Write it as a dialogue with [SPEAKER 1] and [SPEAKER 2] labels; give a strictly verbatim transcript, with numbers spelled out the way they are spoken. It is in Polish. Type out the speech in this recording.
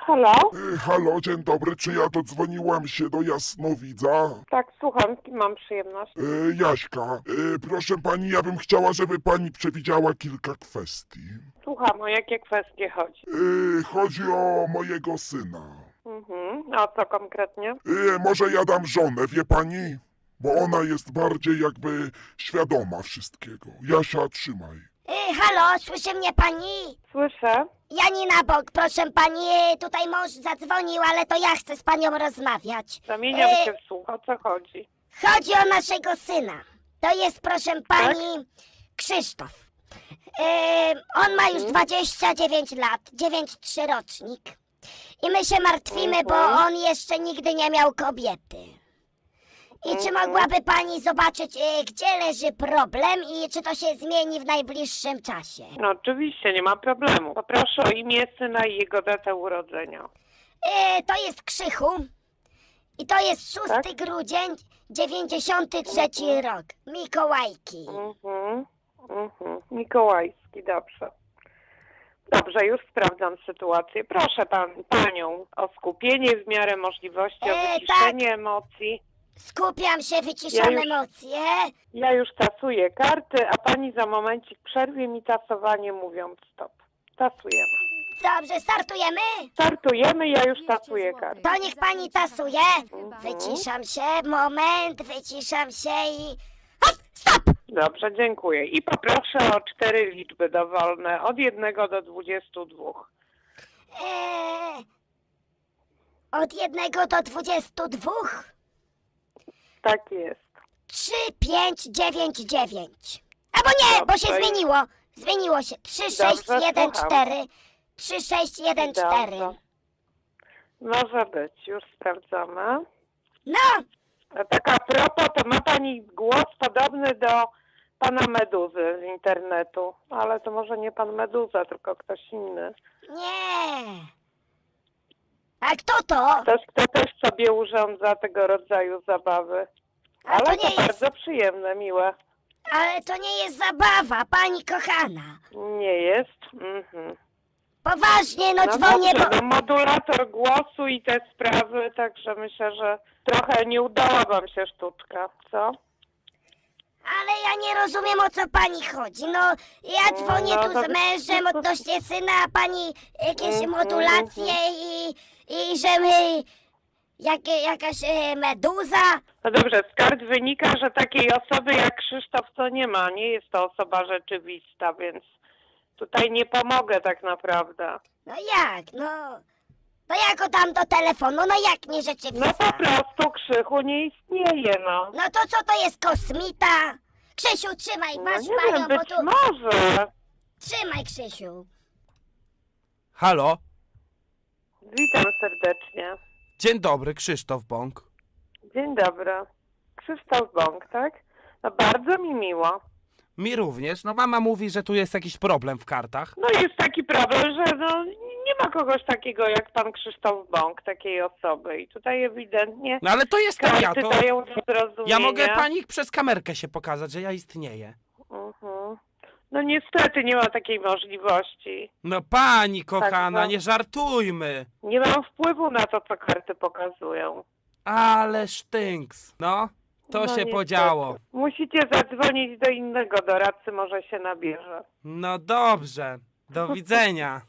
[SPEAKER 1] Halo?
[SPEAKER 2] Y, Halo, dzień dobry, czy ja dodzwoniłam się do Jasnowidza?
[SPEAKER 1] Tak, słucham, z kim mam przyjemność?
[SPEAKER 2] Y, Jaśka, y, proszę pani, ja bym chciała, żeby pani przewidziała kilka kwestii.
[SPEAKER 1] Słucham, o jakie kwestie chodzi?
[SPEAKER 2] Y, chodzi o mojego syna.
[SPEAKER 1] Mhm, a co konkretnie?
[SPEAKER 2] Y, może ja dam żonę, wie pani? Bo ona jest bardziej jakby świadoma wszystkiego. Jasia, trzymaj.
[SPEAKER 3] Y, halo, słyszy mnie pani?
[SPEAKER 1] Słyszę.
[SPEAKER 3] Janina Bok, proszę pani, y, tutaj mąż zadzwonił, ale to ja chcę z panią rozmawiać.
[SPEAKER 1] Zamieniam
[SPEAKER 3] Y,
[SPEAKER 1] się w słuch, o co chodzi?
[SPEAKER 3] Chodzi o naszego syna. To jest, proszę pani, Krzysztof. Y, on ma już dwadzieścia dziewięć lat, dziewięć trzy rocznik. I my się martwimy, bo
[SPEAKER 1] Mhm.
[SPEAKER 3] on jeszcze nigdy nie miał kobiety. I czy
[SPEAKER 1] Mhm.
[SPEAKER 3] mogłaby pani zobaczyć, y, gdzie leży problem i czy to się zmieni w najbliższym czasie?
[SPEAKER 1] No oczywiście, nie ma problemu. Poproszę o imię syna i jego datę urodzenia.
[SPEAKER 3] E, to jest Krzychu i to jest szósty
[SPEAKER 1] Tak?
[SPEAKER 3] grudzień, dziewięćdziesiąty trzeci rok. Mikołajki.
[SPEAKER 1] Mhm, mhm. Mikołajski, dobrze. Dobrze, już sprawdzam sytuację. Proszę pan, panią o skupienie w miarę możliwości, o
[SPEAKER 3] E,
[SPEAKER 1] wyciszenie emocji.
[SPEAKER 3] Skupiam się, wyciszam
[SPEAKER 1] Ja już-
[SPEAKER 3] emocje.
[SPEAKER 1] Ja już tasuję karty, a pani za momencik przerwie mi tasowanie, mówiąc stop. Tasujemy.
[SPEAKER 3] Dobrze, startujemy?
[SPEAKER 1] Startujemy, ja już tasuję karty.
[SPEAKER 3] To niech pani tasuje. Wyciszam się, moment, wyciszam się i... Hop, stop!
[SPEAKER 1] Dobrze, dziękuję. I poproszę o cztery liczby dowolne, od jednego do dwudziestu dwóch.
[SPEAKER 3] E, od jednego do dwudziestu dwóch.
[SPEAKER 1] Tak jest.
[SPEAKER 3] Trzy, pięć, dziewięć, dziewięć. Albo nie, bo się
[SPEAKER 1] Dobrze.
[SPEAKER 3] zmieniło. Zmieniło się. Trzy, sześć,
[SPEAKER 1] Dobrze,
[SPEAKER 3] jeden,
[SPEAKER 1] słucham.
[SPEAKER 3] cztery. Trzy, sześć, jeden, cztery.
[SPEAKER 1] Dobrze. Może być, już sprawdzamy.
[SPEAKER 3] No,
[SPEAKER 1] A tak a propos, to ma pani głos podobny do pana Meduzy z internetu. Ale to może nie pan Meduza, tylko ktoś inny.
[SPEAKER 3] nie. A kto to?
[SPEAKER 1] Ktoś, kto też sobie urządza tego rodzaju zabawy.
[SPEAKER 3] A
[SPEAKER 1] Ale
[SPEAKER 3] to
[SPEAKER 1] to,
[SPEAKER 3] nie jest,
[SPEAKER 1] bardzo przyjemne, miłe.
[SPEAKER 3] ale to nie jest zabawa, pani kochana.
[SPEAKER 1] Nie jest? Mhm.
[SPEAKER 3] Poważnie, no,
[SPEAKER 1] No
[SPEAKER 3] dzwonię,
[SPEAKER 1] dobrze,
[SPEAKER 3] bo...
[SPEAKER 1] no modulator głosu i te sprawy, także myślę, że trochę nie udała wam się sztuczka, co?
[SPEAKER 3] Ale ja nie rozumiem, o co pani chodzi. No, ja dzwonię
[SPEAKER 1] No,
[SPEAKER 3] tu
[SPEAKER 1] to-
[SPEAKER 3] z mężem odnośnie syna, a pani jakieś
[SPEAKER 1] Mhm,
[SPEAKER 3] modulacje i... i że my... Jak, jakaś e, meduza?
[SPEAKER 1] No dobrze, z kart wynika, że takiej osoby jak Krzysztof to nie ma, nie jest to osoba rzeczywista, więc tutaj nie pomogę tak naprawdę.
[SPEAKER 3] No jak, no... To ja go dam do telefonu, no jak nie
[SPEAKER 1] No
[SPEAKER 3] rzeczywista?
[SPEAKER 1] po prostu Krzychu nie istnieje, no.
[SPEAKER 3] No to co to jest kosmita? Krzysiu, trzymaj,
[SPEAKER 1] No
[SPEAKER 3] masz
[SPEAKER 1] nie
[SPEAKER 3] panią,
[SPEAKER 1] wiem,
[SPEAKER 3] bo
[SPEAKER 1] być
[SPEAKER 3] tu...
[SPEAKER 1] może.
[SPEAKER 3] Trzymaj, Krzysiu.
[SPEAKER 4] Halo?
[SPEAKER 1] Witam serdecznie.
[SPEAKER 4] Dzień dobry, Krzysztof Bąk.
[SPEAKER 1] Dzień dobry. Krzysztof Bąk, tak? No bardzo mi miło.
[SPEAKER 4] Mi również. No mama mówi, że tu jest jakiś problem w kartach.
[SPEAKER 1] No jest taki problem, że no, nie ma kogoś takiego jak pan Krzysztof Bąk, takiej osoby. I tutaj ewidentnie
[SPEAKER 4] No ale to jestem ja,
[SPEAKER 1] karty
[SPEAKER 4] to...
[SPEAKER 1] dają do zrozumienia.
[SPEAKER 4] Ja mogę pani przez kamerkę się pokazać, że ja istnieję.
[SPEAKER 1] Mhm. No niestety nie ma takiej możliwości.
[SPEAKER 4] No pani kochana,
[SPEAKER 1] Tak, no.
[SPEAKER 4] nie żartujmy.
[SPEAKER 1] Nie mam wpływu na to, co karty pokazują.
[SPEAKER 4] Ale sztynks. No, to
[SPEAKER 1] No
[SPEAKER 4] się
[SPEAKER 1] niestety.
[SPEAKER 4] podziało.
[SPEAKER 1] Musicie zadzwonić do innego doradcy, może się nabierze.
[SPEAKER 4] No dobrze. Do widzenia.